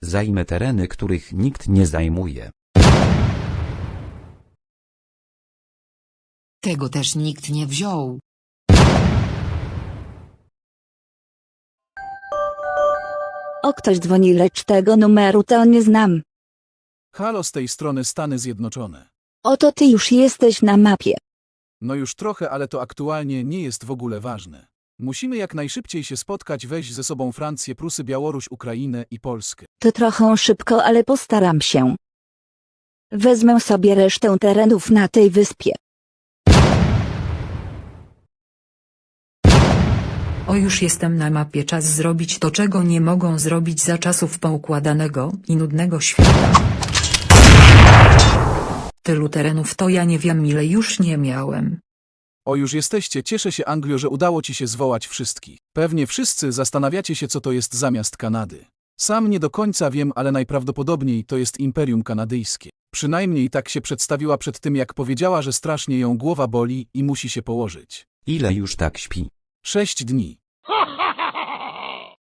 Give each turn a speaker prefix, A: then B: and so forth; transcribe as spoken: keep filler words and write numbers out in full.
A: Zajmę tereny, których nikt nie zajmuje.
B: Tego też nikt nie wziął.
C: O, ktoś dzwoni, lecz tego numeru to nie znam.
D: Halo, z tej strony Stany Zjednoczone.
C: Oto ty już jesteś na mapie.
D: No już trochę, ale to aktualnie nie jest w ogóle ważne. Musimy jak najszybciej się spotkać, weź ze sobą Francję, Prusy, Białoruś, Ukrainę i Polskę.
C: To trochę szybko, ale postaram się. Wezmę sobie resztę terenów na tej wyspie.
E: O, już jestem na mapie, czas zrobić to, czego nie mogą zrobić za czasów poukładanego i nudnego świata. Tylu terenów to ja nie wiem, ile już nie miałem.
D: O, już jesteście, cieszę się, Anglio, że udało ci się zwołać wszystkich. Pewnie wszyscy zastanawiacie się, co to jest zamiast Kanady. Sam nie do końca wiem, ale najprawdopodobniej to jest Imperium Kanadyjskie. Przynajmniej tak się przedstawiła przed tym, jak powiedziała, że strasznie ją głowa boli i musi się położyć.
A: Ile już tak śpi?
D: Sześć dni.